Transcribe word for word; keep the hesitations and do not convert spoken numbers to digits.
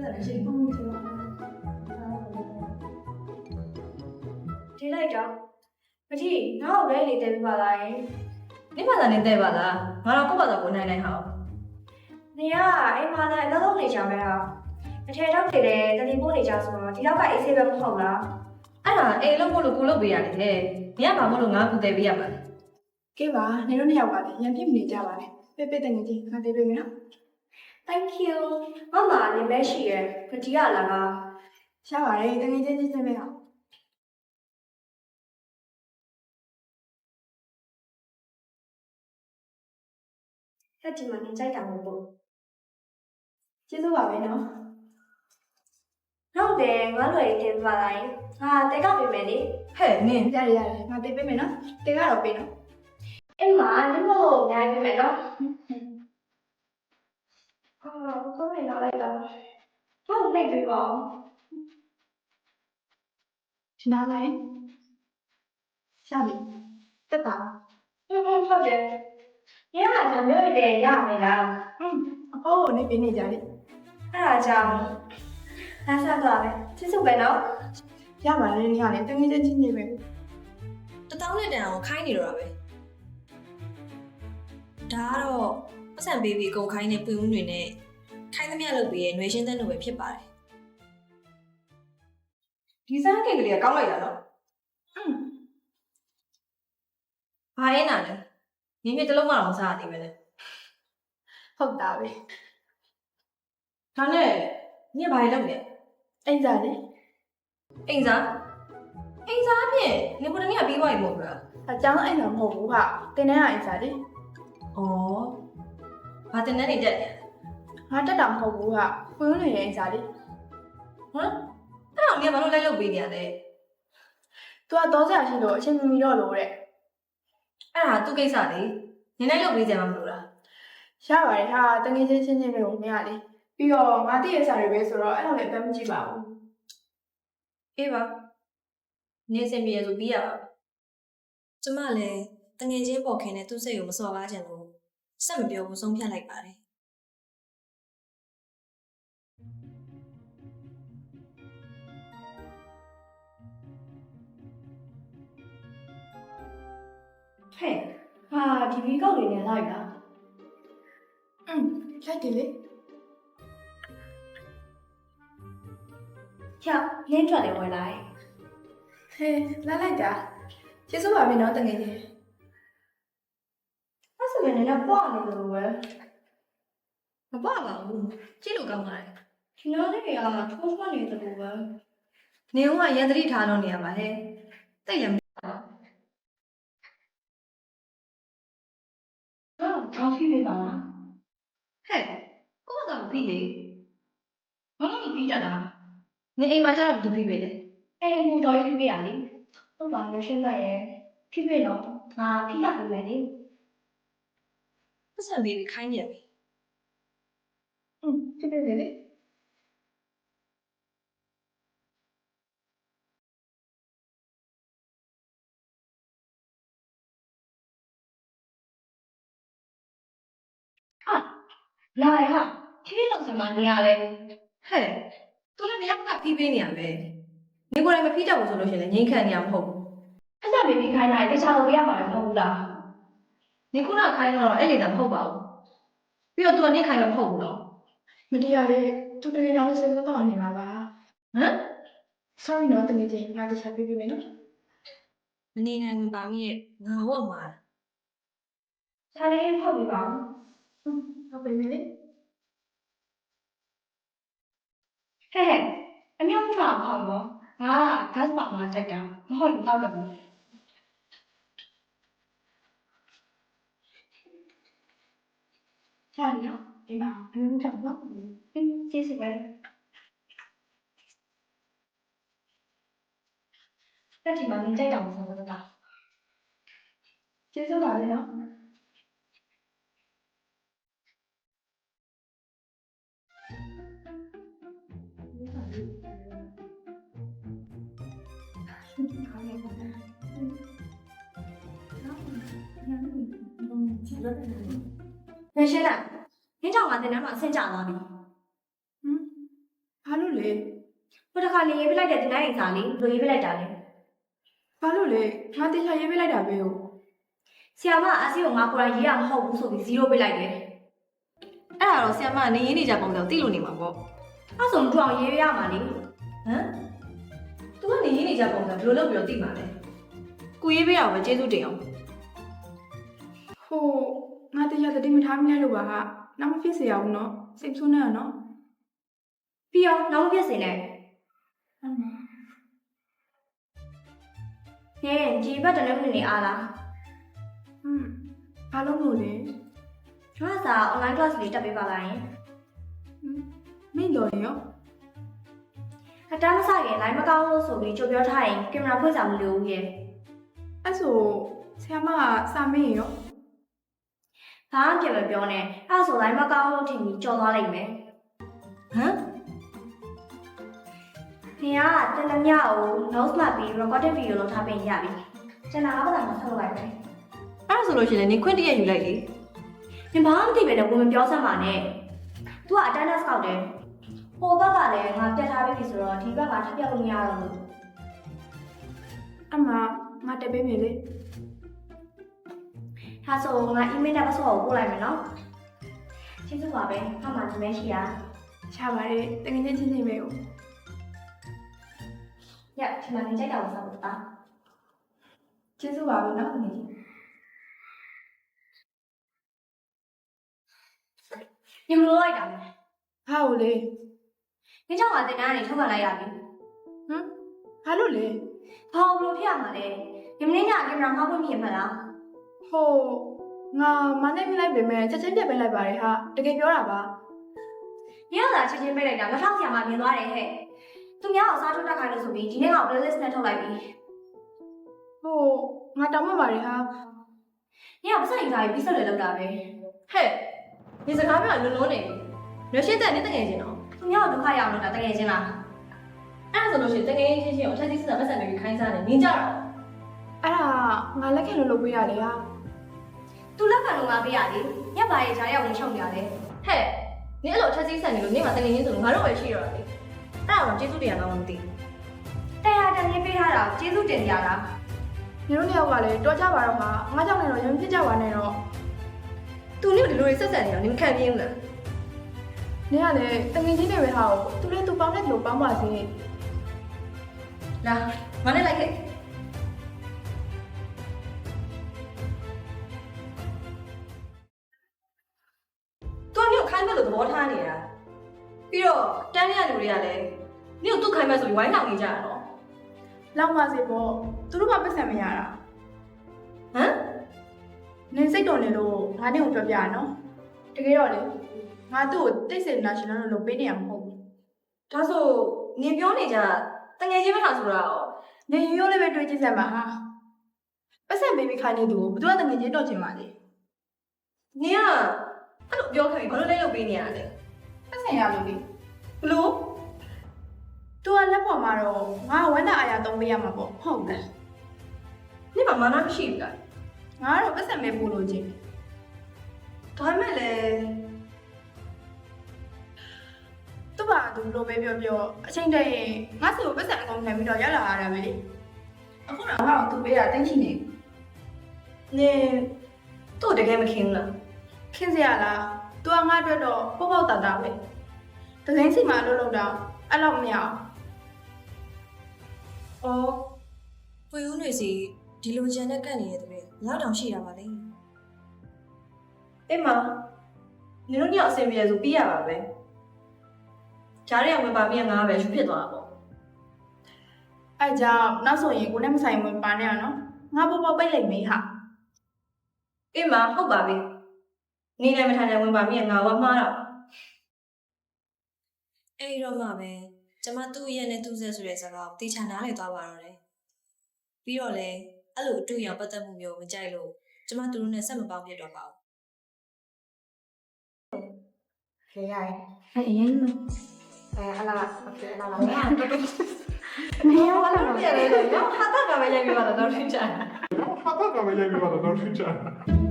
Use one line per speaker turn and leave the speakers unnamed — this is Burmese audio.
တယ်ရှင်ဟုတ်ပြီကျွန်တော်ဒီလိုက်တော့မကြီးငါ့ကိုလည်းနေတယ်ပြပါလားယင်နေပါလားနေတယ်ပါလားငါတော့ကိုယ့်ဘာသာကိုနိုင်နိုင်ဟောနေရအိမ်မှာလည်းအလုပ်လုပ်နေကြမယ်ဟာအထည်တော့နေတယ်တတိပို့နေကြဆိုတော့ဒီတော့ကအေးဆေးပဲမဟုတ်လားအဲ့ဒါအိမ်လုံးမို့လို့ကိုလုပ်ပေးရတယ်ဟဲ့နေရမှာမို့လို့ငါကူတယ်ပေးရမှာလေကဲပါနေတော့နှစ်ယောက်ပါလေရန်ပြစ်မနေကြပါနဲ့ပဲပဲတငယ်ချင်းငါပေးပေးမယ်နော် Thank you မမလည်းမရှိရယ်ခကြီးရလာလားရှားပါလေတငယ်ချင်းချင်းချင်းပဲဟာဆက်ဒီမှာနေကြိုက်တာမဟုတ်ဘူးကျေးဇူးပါပဲနော်ဟုတ်တယ်ငါတို့ရေးတင်ပါလိုက်ဟာတဲကပေးမယ်လေဟဲ့နင်ရတယ်ရတယ်ငါပေးပေးမယ်နော်တဲကတော့ပေးနော်အင်းမဒီမို့နိုင်ပေးမယ်နော်အာကိုယ်လာလိုက်တာဟုတ်လိုက်ပြီပါရှင်းလာလိုက်ရှာပြီတက်တာဟုတ်ဟုတ်တယ်ညကကျွန်တော်မျိုးတွေရမယ်လားอืมအဖိုးနေပြနေကြလေအဲ့ဒါကြောင့်လာဆက်သွားပဲချစ်စုပဲနော်ရပါလေညလေတငယ်ချင်းချင်းချင်းပဲတတောင်းနဲ့တန်အောင်ခိုင်းနေတော့တာပဲဒါကတော့ပတ်စံဘေဘီအကုန်ခိုင်းနေပွင့်ဦးတွေနဲ့ခိုင်းသမျှလုပ်ပြီးရဲ့ຫນွေရှင်းတဲ့လိုပဲဖြစ်ပါတယ်ဒီစမ်းကိတ်ကလေးကကောင်းလိုက်တာနော်อืมဘာလဲနာလဲငင်းမြတလုံးမအောင်စားရသေးပဲလေဟုတ်တာပဲဒါနဲ့ညဘာလဲလုပ်နေအိမ်စားလေအိမ်စားအိမ်စားဖြင့်နေကိုတနေ့ကပြီးသွားပြီမဟုတ်လားအကြောင်းအိမ်တော့မဟုတ်ဘူးဟာတင်တဲ့အိမ်စားလေဩဘာတင်တဲ့နေတက်လဲငါတက်တာမဟုတ်ဘူးဟာပွင့်နေရဲ့အိမ်စားလေဟမ်အဲ့တော့ညဘာလို့လိုက်လုပ်ပေးနေရလဲ तू ကတော့ဆရာရှိလို့အချိန်မမီတော့လို့တဲ့အဲ့ဒါသူ့ကိစ္စလေနင်းလိုက်လုပ်ပေးကြမှာမလို့လားရပါတယ်ဟာတငယ်ချင်းချင်းချင်းပဲကိုမရလေပြီးတော့ငါတည့်ရစာတွေပဲဆိုတော့အဲ့လိုလည်းအပန်းမကြည့်ပါဘူးအေးပါနေစင်ပြေဆိုပြီးရပါကျမလည်းတငယ်ချင်းပေါ်ခင်နဲ့သူ့စိတ်ကိုမစော်ကားချင်လို့စက်မပြောဘူးဆုံးဖြတ်လိုက်ပါတယ်ဟဲ့ဟာဒီဗီကောက်လေးနဲ့လိုက်လားอืมလိုက်တယ်လေချောက်လင်းထွက်တယ်ဝင်လာတယ်ဟဲ့လာလိုက်တာကျေးဇူးပါပဲနော်တငယ်ချင်းအဲ့ဆိုရင်လည်းပွားနေလို့ပဲမပွားပါဘူးကြည့်လို့ကောင်းပါလေကျွန်တော်လည်းကထိုးထွန်းနေတယ်လို့ပဲနေဦးကရန်သတိထားလို့နေရပါဟဲ့တိတ်ရမကောင်းဖြစ်နေပါလားဟဲ့ကိုကတော့ပြီးလေဘာလို့မပြီးကြတာနေအိမ်မှာကျတော့သူပြီးပဲလေအဲ့ဟိုတော်ရေးပြီးရလေဟုတ်ပါလို့ရှင်းလိုက်ရဲ့ဖြစ်ဖြစ်တော့ငါဖိတာပဲလေပတ်စံလေးခိုင်းနေပြီอืมဖြစ်ဖြစ်လေလာရဟာဖြည်းဖြည်းလောက်စမနေရလဲဟဲ့သူလည်းမရကဖြည်းဖြည်းနေရပဲနေကိုယ်တိုင်မဖြည်းတတ်ဘူးဆိုလို့ရှိရင်လည်းငိမ့်ခံနေရမဟုတ်ဘူးအဲ့ဒါဘေဘီခိုင်းတာတခြားလို့ရမှာမဟုတ်ဘူးလားနေခုနခိုင်းတော့အဲ့လေတာမဟုတ်ပါဘူးပြီးတော့သူကနေခိုင်းမှာမဟုတ်ဘူးနော်မတရားလေသူတကယ်တော့စိတ်မကောင်းနေမှာပါဟမ် sorry နော်တကယ်ချင်းငါတခြားပြေးပြေးမယ်နော်မနေနိုင်ပါမီးရဲ့ငါဟုတ်မှာခြားလေးဖောက်ပြီးပါဦးဟုတ်ပြီလေဟဲ့ဟဲ့အမျိုးမဖောက်ဘောငါဂတ်ပါမှာတက်တာမဟုတ်ဘူးတော့ဘူးချာနော်ဒီမှာအမျိုးကြောင့်တော့ကျေးဇူးပဲတက်ဒီမှာနေကြိုက်တောင်ဆိုတော့လားကျေးဇူးပါလေနော်ရရှိလားနင်းကြောင့်ငါတင်ထဲမှာဆင်းကြသွားပြီဟမ်
ဘာလို့လဲ
ဟိုတစ်ခါနေရေးပြလိုက်တဲ့ဒီနိုင်စာလေးလိုရေးပြလိုက်တာလေ
ဘာလို့လဲငါတေချာရေးပေးလိုက်တာပဲဟုတ်
ဆရာမအစီကိုငါကိုယ်တိုင်ရေးရမဟုတ်ဘူးဆိုပြီးဇီးရိုးပြလိုက်တယ်အဲ့ဒါတော့ဆရာမနေရေးနေကြပုံစံသိလို့နေမှာပေါ့အဲ့ဆိုသူအောင်ရေးရမှာလေဟမ်သူကနေရေးနေကြပုံစံဘယ်လိုလုပ်ပြီးတော့သိမှာလဲကိုရေးပေးတာပဲကျေးဇူးတင်အောင်
ဟိုငါတေချာသတိမထားမိလိုက်လို့ပါဟာနောက်မဖြစ်စေရဘူးနော်စိတ်ဆိုးနေရနော်
ပြီးတော့နောက်မပြည့်စင်နဲ့
အမ
ဟင်းဒီဘက်တလည်းမနေအားလား
ဟွန်းဘာလို့လို့လဲ
ကျွမ်းစာ online class လေးတက်ပေးပါလားယင်
ဟွန်းမင်းတော်ရော
အတန်းမဆိုင်ရင် line မကောင်းလို့ဆိုပြီးကြိုပြောထားရင်ကင်မရာဖွင့်စာမလိုဘူးရဲ့
အဲ့ဆိုဆရာမကစာမင်းရော
ဘာမှပြန်မပြောနဲ့အဲ့ဆို line မကောင်းလို့ထင်ပြီးကြော်သွားလိုက်မယ်ဟမ်ခင်ဗျားတနမြကို notes မှတ်ပြီး recorded video လုပ်ထားပေးရပြီကျွန်တော်ကဘာမှဆက်လုပ်လိုက်မယ်အဲ့ဆိုလို့ရှိရင်နင်ခွင့်တရယူလိုက်လေနင်ဘာမှမသိပဲနဲ့ဝင်မပြောစမ်းပါနဲ့ तू က attendance ကောက်တယ်ဟိုဘက်ကလည်းငါပြတ်ထားပြီဆိုတော့ဒီဘက်ကထပ်ပြတ်လို့မရတော့ဘူး
အမငါတက်ပေးမယ်လေ
ဒါဆိုငါ email နဲ့ password ကိုပို့လိုက်မယ်နော်ကျေးဇူးပါပဲအမှဒီမဲရှိတာ
ချပါတယ်တကယ်ချင်းချင်းချင်းပဲဟုတ်
ညဒီမှာနေကြိုက်တာကိုစောင့်ပါ
ကျေးဇူးပါပဲနော်ငယ်ချင်း
ညမလို့လိုက်တာလေ
ဟာဟုတ်လေ
နေကြောင့်ကတင်တန်းကနေထုတ်ခံလိုက်ရပြီ
ဟမ်ဘာလို့လဲ
ဘာလို့ဘလို့ဖြစ်ရမှာလဲညမင်းညကင်မရာမှားခွင့်မြင်မှာလား
ဟိုငါမနဲ့မိလိုက်ပေမဲ့ချက်ချင်းပြတ်ပေးလိုက်ပါတယ်ဟာတကယ်ပြောတာပါ
ညကသာချက်ချင်းပေးလိုက်တာမထောက်ဆရာမမြင်သွားတယ်ဟဲ့သူများအောင်စားထုတ်တက်ခိုင်းလို့ဆိုပြီးဒီနေ့က playlist နဲ့ထုတ်လိုက်ပြီ
ဟိုငါတောင်းပန်ပါတယ်ဟာ
ညကပတ်စံယူထားပြီးပြီးဆက်လေလောက်တာပဲ
ဟဲ့ဒီစကားပြောလုံးလုံးနေရွှေရှင်းတဲ့နေတငယ်ချင်းတော့
သူများကိုဒုက္ခရအောင်လုပ်တာတကယ်ချင်းလား
အဲ့ဒါဆိုလို့ရှိရင်တငယ်ချင်းချင်းကိုအထက်ကြီးစစ်တာပတ်စံတွေခိုင်းစားနေနင်းကြတော့
အဲ့ဒါငါလက်ခံလို့လုပ်ပေးရတယ်ဟာ
သူလက်ခံလို့ငါပေးရလေညပါရဲ့ဂျားရောက်ဝင်ချုပ်ပြရတယ်
ဟဲ့နင်းအဲ့လိုအထက်ကြီးဆက်နေလို့နင်းမှာတငယ်ချင်းဆိုလို့ငါတို့ပဲရှိရတာလေအဲ့ဒါတော့ကျေးဇူးတရားတော့မသိဘူး
တရားတန်ကြီးပေးထားတာကျေးဇူးတင်ကြလား
ညီတို့နှစ်ယောက်ကလည်းတော်ကြပါတော့မှာငါကြောင့်လည်းတော့ရင်ဖြစ်ကြပါနဲ့တော့
သူနင်းကိုဒီလိုဆက်ဆက်နေတော့နင်းမခံပြင်းဘူးလား
နင်ကလည်းတငယ်ချင်းတွေပဲဟာကိုသူလည်းသူပေါင်းတဲ့လူပေါင်းပါစေ
လာငါနဲ့လိုက်ခဲ့သူကနင်းကိုခိုင်းမဲ့လို့သဘောထားနေတာပြီးတော့တန်းရလူတွေကလည်းနင်းကိုသူ့ခိုင်းမဲ့ဆိုပြီးဝိုင်းလောင်နေကြတာတော့
လောက်ပါစေပေါ့သူတို့ကပတ်စံမရတာ
ဟမ်
နင်စိတ်တော်နေလို့ငါနဲ့ကိုပြောပြရနော်တကယ်တော့လေငါသူ့ကိုတိတ်စေနာရှင်လို့လုပ်ပေးနေရမှာမဟုတ်ဘူး
ဒါဆိုနင်ပြောနေကြတငယ်ချင်းမထားဆိုတာရော
နင်ရိုးရိုးလေးပဲတွေးကြည့်စမ်းပါဟာပတ်စံပေးပြီးခိုင်းနေသူကိုဘယ်သူကတငယ်ချင်းတော့ချင်ပါလဲ
နင်ကအဲ့လိုပြောခဲ့ပြီးဘာလို့လဲလုပ်ပေးနေရလဲ
ပတ်စံရလို့လေ
ဘလို့
သူကလက်ပေါ်မှာတော့ငါဝမ်းသာအားရသုံးပေးရမှာပေါ့ဟုတ်လား
နင်မမာနမရှိဘူးလား
ငါကတော့ပတ်စံပဲပို့လို့ချင်း
ဒါပေမဲ့လည်း
သူ့ဘာသူလိုပဲပြောပြောအချိန်တည်းရင်ငါစီကိုပတ်စံအကုန်ခံပြီးတော့ရောက်လာရတာပဲလေအခုတော့ငါ့ကိုသူပေးတာတင်းချင်နေ
နင်သူ့တကယ်မခင်ဘူးလား
ခင်းစရာလားသူကငါ့အတွက်တော့ပေါ့ပေါ့တာတာပဲတကယ်စီမှာလို့လို့တော့အဲ့လောက်မရအောင်
အော်ပွေဦးတွေစီဒီလိုကြံနဲ့ကန့်နေတဲ့တဲ့လောက်တောင်ရှိတာပါလေ
အေးမနင်တို့ညအဆင်ပြေဆိုပြီးရပါပဲဂျားရဝင်ပါပြီးငါပဲရှုဖြစ်သွားတာပေါ့
အဲ့ကြောင့်နောက်ဆိုရင်ကိုနဲ့မဆိုင်ဝင်ပါနဲ့ရနော်ငါပေါ့ပေါ့ပိတ်လိုက်မေးဟာ
အေးမဟုတ်ပါပြီနေနိုင်မထိုင်နိုင်ဝင်ပါပြီးငါဝမှားတာ
အဲ့ဒီတော့မှပဲကျမသူ့ရဲ့နဲ့သူ့ဆက်ဆိုတဲ့စကားကိုတေချာနားလည်သွားပါတော့တယ်ပြီးတော့လေအဲ့လိုအတွေ့အကြုံပတ်သက်မှုမျိုးမကြိုက်လို့ကျမသူတို့နဲ့ဆက်မပေါင်းပြတ်တော့ပါဘူး
ခေရိုင်း
အဲ့အရင်လို့
အဲအလားအဖေအလားလား
မင်းက
မင်းရောလည်းမရလေတော့ဟာတာကပဲရိုက်ပြပါတော့တော့ထင်ချာ
Father, come e gli hai arrivato, non succede.